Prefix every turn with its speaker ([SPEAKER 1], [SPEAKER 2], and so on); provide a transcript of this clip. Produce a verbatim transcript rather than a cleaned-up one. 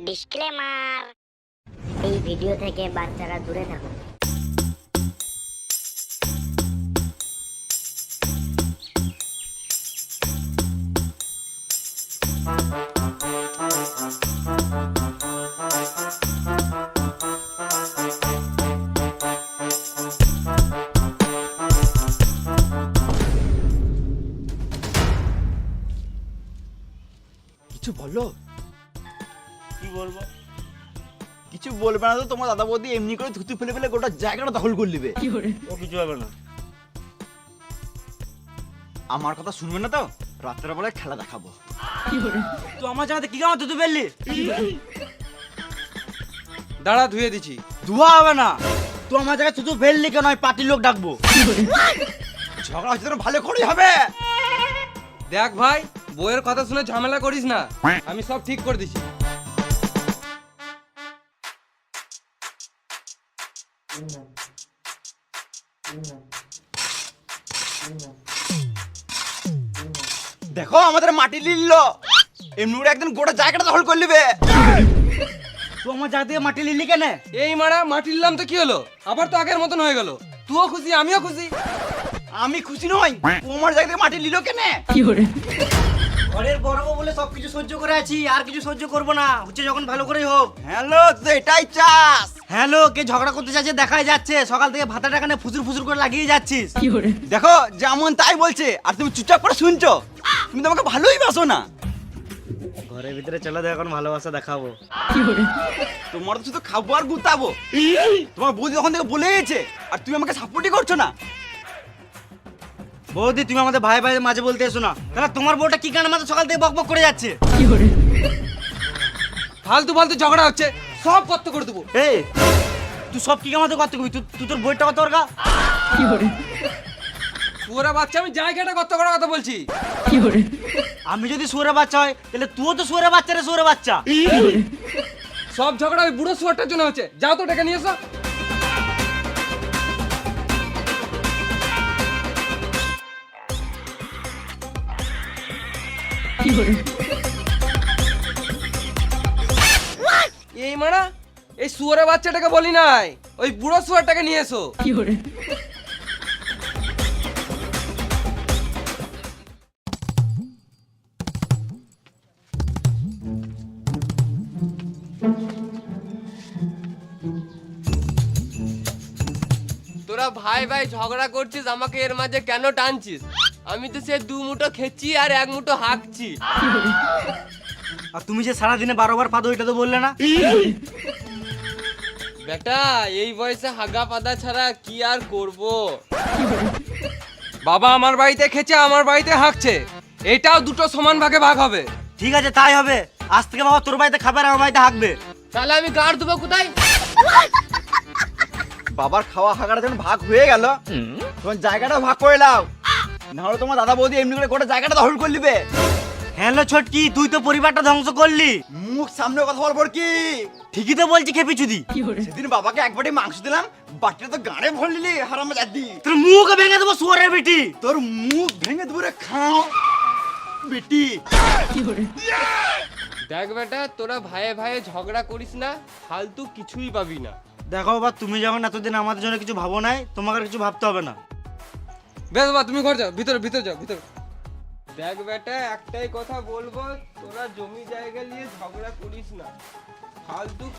[SPEAKER 1] Disclaimer, এই video থেকে বাচ্চারা দূরে থাকুন।
[SPEAKER 2] কিছু বলো।
[SPEAKER 3] কি বলবো?
[SPEAKER 2] কিছু বলবে না তো তোমার দাদা বৌদি এমনি করে থুতু ফেলে ফেলে গোটা জায়গাটা দখল করে নেবে।
[SPEAKER 3] ও কিছু হবে না।
[SPEAKER 2] আমার কথা শুনবে না তো, রাত্রের বেলায় খেলা দেখাবো।
[SPEAKER 3] তুই আমার জায়গাতে কি কামাতে তুই ফেললি?
[SPEAKER 4] দাঁড়া, ধুয়ে দিছি।
[SPEAKER 3] ধোয়া হবে না। তুই আমার জায়গায় থুতু ফেললি কেন? আমি পার্টির লোক ডাকবো।
[SPEAKER 2] ঝগড়া হচ্ছে তো ভালো করেই হবে।
[SPEAKER 4] দেখ ভাই, বইয়ের কথা শুনে ঝামেলা করিস না, আমি সব ঠিক করে দিছি।
[SPEAKER 2] দেখো আমাদের মাটি লিললো, এমনি করে একদিন গোটা জায়গাটা দখল করে নেবে।
[SPEAKER 3] তুই আমার জায়গা থেকে মাটি লিলি কেন?
[SPEAKER 4] এই মারা মাটি নিলাম তো কি হলো, আবার তো আগের মতন হয়ে গেল। তুইও খুশি, আমিও খুশি।
[SPEAKER 2] আমি খুশি নই, তোমার জায়গা থেকে মাটি লিলো কেন?
[SPEAKER 3] ঘরের বড় বউ বলে সবকিছু সহ্য করে আছি, আর কিছু সহ্য করবো না। হচ্ছে যখন ভালো করেই হোক।
[SPEAKER 2] হ্যালো, তো এটাই চাস?
[SPEAKER 3] হ্যালো, কে ঝগড়া করতে চাচ্ছে দেখাই যাচ্ছে। সকাল থেকে ভাতাটা কানে ফুসুর ফুসুর করে লাগিয়ে যাচ্ছিস।
[SPEAKER 2] দেখো যেমন তাই বলছে, আর তুমি চুপচাপ করে শুনছো। তুমি তো আমাকে ভালোই বাসো না।
[SPEAKER 3] ঘরের ভিতরে চলে দেখ, এখন ভালোবাসা দেখাবো।
[SPEAKER 2] তোমার তো শুধু খাবো আর গুতাবো। তোমার বৌদি তখন থেকে বলে গেছে, আর তুমি আমাকে সাপোর্টই করছো না।
[SPEAKER 3] বৌদি, তুমি আমাদের ভাই ভাই মাঝে বলতে এসো না। তাহলে তোমার বউটা কি কারণে আমাদের সকাল থেকে বকবক করে যাচ্ছে?
[SPEAKER 4] ফালতু ফালতু ঝগড়া হচ্ছে, সব কত করে দেবো।
[SPEAKER 3] এই, তুই সব কি আমাদের করতে কবি? তুই তুই তোর বইটা কত ওরগা?
[SPEAKER 4] পুরা বাচ্চা, আমি জায়গাটা কত করার কথা বলছি।
[SPEAKER 3] আমি যদি সুরে বাচ্চা হয়, তাহলে তুইও তো সুরে বাচ্চা রে, সুরে বাচ্চা।
[SPEAKER 4] সব ঝগড়া ওই বুড়ো শুয়ারটার জন্য হচ্ছে। যাও তো টাকা নিয়ে এসো। এই মানা, এই শুয়ারের বাচ্চাটাকে বলি নাই, ওই বুড়ো শুয়ারটাকে নিয়ে এসো। তোরা ভাই ভাই ঝগড়া করছিস, আমাকে এর মাঝে কেন টানছিস? আমি তো সে দু মুঠো খেচ্ছি আর এক মুঠো হাঁকছি।
[SPEAKER 3] আর তুমি যে সারাদিনে বারো বার পাদো, ওইটা তো বললে না।
[SPEAKER 4] বেটা, এই বয়সে হাগা পাদা ছাড়া কি আর করব? বাবা আমার বাড়িতে খেছে, আমার বাড়িতে হাঁকছে, এটাও দুটো সমান ভাগে ভাগ হবে।
[SPEAKER 3] ঠিক আছে, তাই হবে। আজ থেকে বাবা তোর বাড়িতে খাবে আর আমার বাড়িতে হাঁকবে।
[SPEAKER 4] তাহলে আমি গাড় দেবো কোথায়?
[SPEAKER 2] বাবার খাওয়া হাগাটা যখন ভাগ হয়ে গেল, তখন জায়গাটা ভাগ করে নাও, নাহলে তোমার দাদা বৌদি এমনি করে গোটা জায়গাটা দখল করে নেবে।
[SPEAKER 3] হ্যালো ছোটকি, তুই তো পরিবারটা ধ্বংস করলি।
[SPEAKER 2] মুখ সামনে কথা বলবো কি?
[SPEAKER 3] ঠিকই তো বলছি খেপি চুদি।
[SPEAKER 2] সেদিন বাবাকে এক বাটি মাংস দিলাম, বাটিটা তো গাড়ে ভরে নিলি হারামে জাদি।
[SPEAKER 3] তোর মুখ ভেঙে দেবো শুয়ারের বেটি।
[SPEAKER 2] তোর মুখ ভেঙে দেবো রে খাও বেটি।
[SPEAKER 4] দেখ বেটা, তোরা ভাইয়ে ভাইয়ে ঝগড়া করিস না, ফালতু কিছুই পাবি না।
[SPEAKER 3] দেখো বাবা, তুমি যখন এতদিন আমাদের জন্য কিছু ভাবো নাই, তোমাকে আর কিছু ভাবতে হবে না।
[SPEAKER 4] বেশ বাবা, তুমি ঘর যাও, ভিতরে ভিতরে যাও, ভিতরে। দেখ বেটা, একটাই কথা বলবো, তোরা জমি জায়গা নিয়ে ঝগড়া করিস না, ফালতু